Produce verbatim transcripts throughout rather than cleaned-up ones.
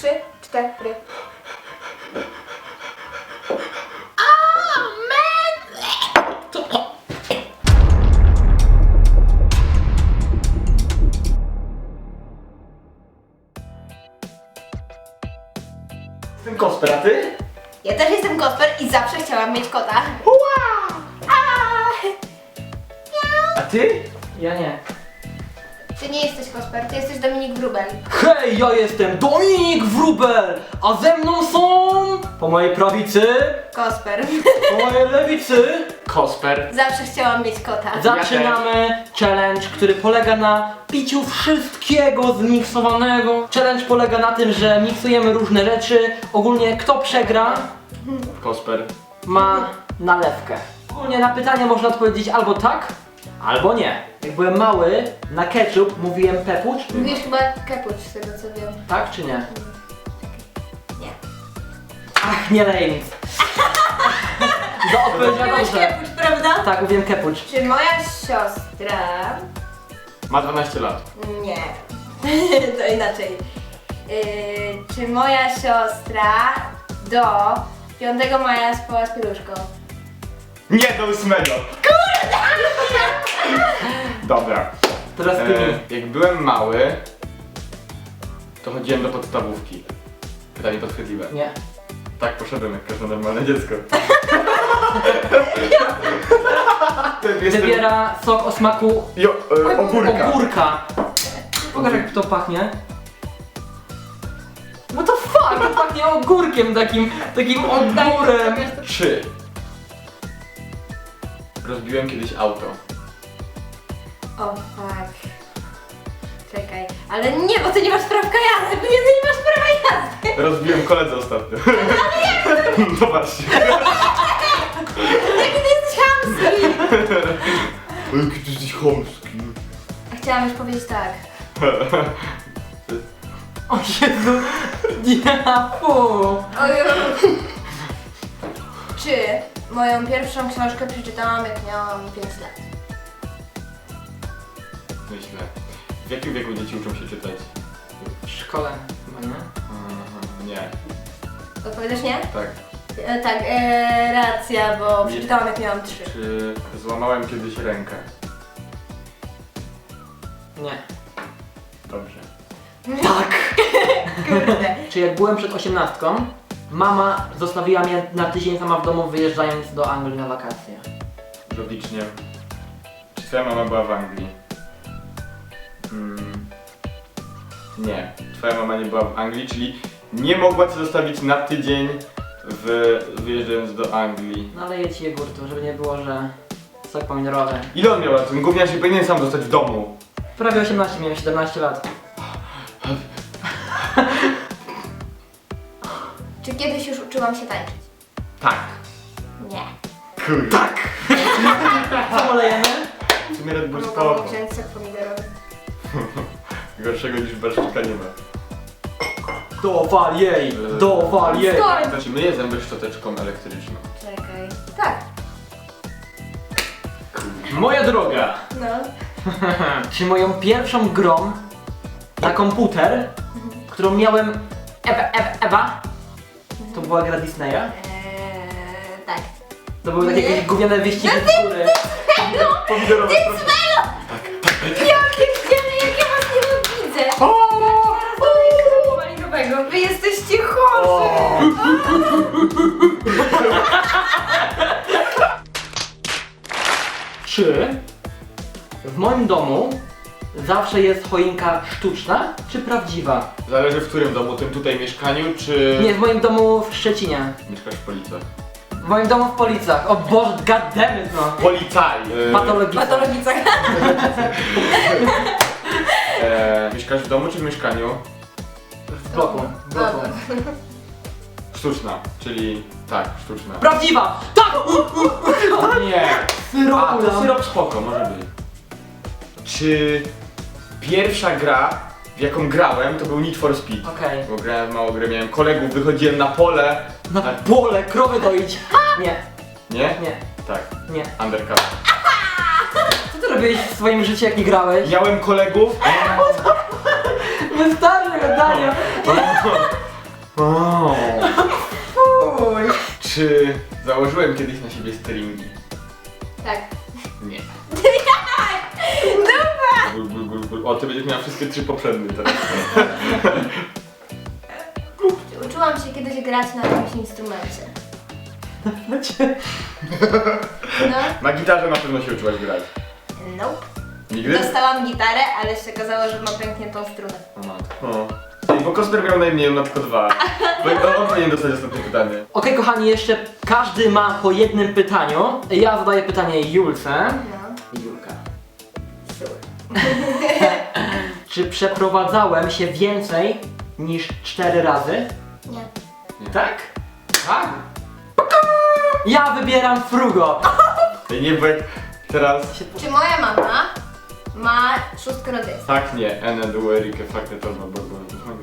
Trzy, cztery. Jestem Kosper, a ty? Ja też jestem Kosper i zawsze chciałam mieć kota. Wow! A ty? Ja nie. Ty nie jesteś Kosper, ty jesteś Dominik Wróbel. Hej, ja jestem Dominik Wróbel, a ze mną są... Po mojej prawicy, Kosper. po mojej lewicy Kosper. Zawsze chciałam mieć kota. zaczynamy challenge, który polega na piciu wszystkiego zmiksowanego. Challenge polega na tym, że miksujemy różne rzeczy. Ogólnie kto przegra, Kosper. ma nalewkę. Ogólnie na pytanie można odpowiedzieć albo tak, albo nie. Jak byłem mały, na ketchup mówiłem pepucz. Mówisz chyba kepuć z tego co wiem. Tak czy nie? Nie. Ach, nie lej nic. Do odpowiedziała Mówiłeś dobrze. kepuć, prawda? Tak, mówiłem kepucz. Czy moja siostra... Ma dwanaście lat. Nie. To inaczej. Yy, czy moja siostra do piątego maja spała z pieluszką? Nie, do ósmego. Kurde! Dobra. Teraz ty mi. E, jak byłem mały, to chodziłem do podstawówki. Pytanie podchwytliwe. Nie. Tak, poszedłem jak każde normalne dziecko. Jestem... Wybiera sok o smaku Jo, e, ogórka. ogórka. Pokaż jak to pachnie. No to fuck, to pachnie ogórkiem takim, takim ogórem. Trzy. Rozbiłem kiedyś auto. O fuck. Czekaj. Ale nie, bo ty nie masz prawka jazdy, bo nie, ty nie masz prawa jazdy. Rozbiłem koledze ostatnio. Zobaczcie. Jaki ty jesteś chamski. Jaki ty jesteś chamski. Chciałam już powiedzieć tak. O Jezu, ja fu. Oju. Czy moją pierwszą książkę przeczytałam jak miałam pięć lat? Myślę. W jakim wieku dzieci uczą się czytać? W szkole chyba, nie? Aha, nie. Odpowiadasz nie? Tak. E, tak, e, racja, bo Nie. przeczytałam jak miałam trzy. Czy złamałem kiedyś rękę? Nie. Dobrze. Tak! Kurde. Czy jak byłem przed osiemnastką, mama zostawiła mnie na tydzień sama w domu, wyjeżdżając do Anglii na wakacje. Logicznie. Czy twoja mama była w Anglii? Mm. Nie. Twoja mama nie była w Anglii, czyli nie mogła cię zostawić na tydzień w... wyjeżdżając do Anglii. Naleję ci jogurtu, żeby nie było, że sok pomidorowy. Ile on miał lat? Ten gówniarz się powinien sam zostać w domu. Prawie osiemnaście, miałem siedemnaście lat. Czy kiedyś już uczyłam się tańczyć? Tak. Nie. Kurde. Tak. Co lejemy? W sumie Red Bull Mogłam spoko. wziąć sok pomidorowy. Gorszego niż barszczyka nie ma. Dowal jej! Dowal jej! Skoro... Znaczy myję zęby szczoteczką elektryczną. Czekaj. Tak. Moja droga! No. Czy moją pierwszą grą na komputer, którą miałem Ewa, Ewa, Ewa, to była gra Disneya? Eee, tak. To były takie Nie. jakieś gówniane wyścigi z góry. Pomidorowe proszę. Jakie wciemy, jak ja was nie widzę! Malinowego. Wy jesteście chorzy! Czy w moim domu zawsze jest choinka sztuczna, czy prawdziwa? Zależy w którym domu, tym tutaj mieszkaniu, czy... Nie, w moim domu w Szczecinie. Mieszkasz w Policach. W moim domu w Policach. O Boże, goddammit no. Policaj! E, Patologiczna. Patologica. e, mieszkasz w domu czy w mieszkaniu? W bloku. W bloku. Sztuczna, czyli... tak, sztuczna. Prawdziwa! Tak! O nie! Syrop A, to ulam. syrop spoko, może być. Czy pierwsza gra, w jaką grałem, to był Need for Speed? Okej. Bo grałem w mało grę, miałem kolegów, wychodziłem na pole. Na pole, krowy doić. Nie, Nie? nie, Tak, nie. undercover. Co ty robiłeś w swoim życiu, jak nie grałeś? Miałem kolegów, Wystarczy gadania. O. Uj. Czy założyłem kiedyś na siebie stringi? Tak. Nie. Dupa! Gul, gul, gul, gul. O, ty będziesz miała wszystkie trzy poprzednie teraz. Uczyłam się kiedyś grać na jakimś instrumencie. No. Na gitarze na pewno się uczyłaś grać. Nope. Nigdy? Dostałam gitarę, ale się okazało, że ma pękniętą strunę. O matko. O. Bo Kosper miał najmniej, on ma tylko dwa. Bo on powinien dostać ostatnie pytanie. Okej, kochani, jeszcze każdy ma po jednym pytaniu. Ja zadaję pytanie Julce. No. Julka. Sure. Czy przeprowadzałem się więcej niż cztery razy? Nie. Tak? Tak. Ja wybieram Frugo. Ej, nie, bo jak teraz... Czy moja mama ma szóstkę rodzeństwa? Tak, nie. Ene, duerikę, fakty, to no, bo...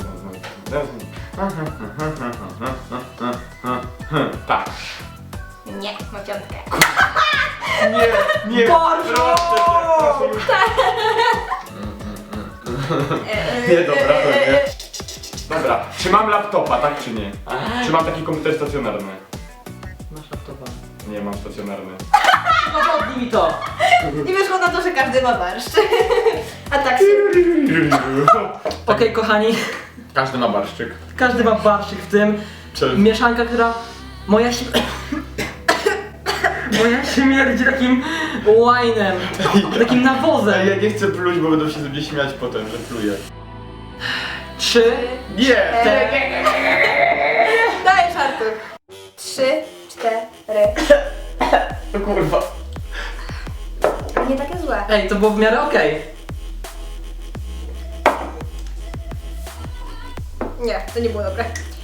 Tak. Nie, ma piątkę. Nie, nie. Bardzo! Proszę cię, proszę. Nie, dobra, to nie. Dobra, czy mam laptopa, tak czy nie? Czy mam taki komputer stacjonarny? Masz laptopa. Nie, mam stacjonarny. Udowodnij mi to. I wyszło na to, że każdy ma barszcz. A tak się... Okej, kochani, Każdy ma barszczyk. każdy ma barszczyk w tym. Czy... Mieszanka, która... Moja się... Moja śmierdzi takim łajnem, takim Ej, nawozem. ja nie chcę pluć, bo będą się ze mnie śmiać potem, że pluję. Trzy, Nie! cztery... Dajesz, Artur. Trzy, cztery. O kurwa. Nie takie złe. Ej, to było w miarę okej. Nie, to nie było dobre.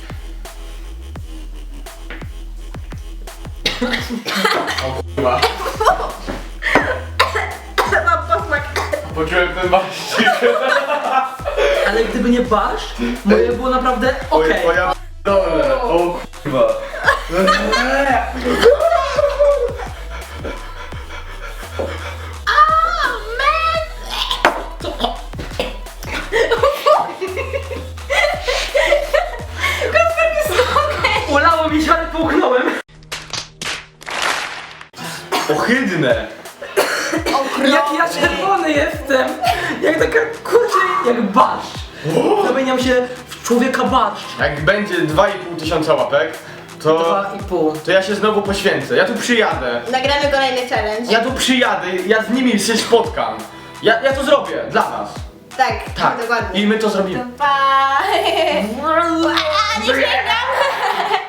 Kurwa. Mam posmak. Poczułem ten barszczyk. Ale gdyby nie barszcz, moje było naprawdę okej. O ja p***dolę. O kurwa. Ulało mi się, ale połknąłem. Ohydne. Jak ja czerwony jestem! Jak taka, kurczę, jak barszcz. Zamieniam się w człowieka barszcz. Jak będzie dwa i pół tysiąca łapek, to... Dwa i pół. To ja się znowu poświęcę. Ja tu przyjadę. Nagramy kolejny challenge. Ja tu przyjadę, ja z nimi się spotkam. Ja, ja to zrobię, dla nas. Tak, Tak. dokładnie. I my to zrobimy. Pa! A, nie śmiej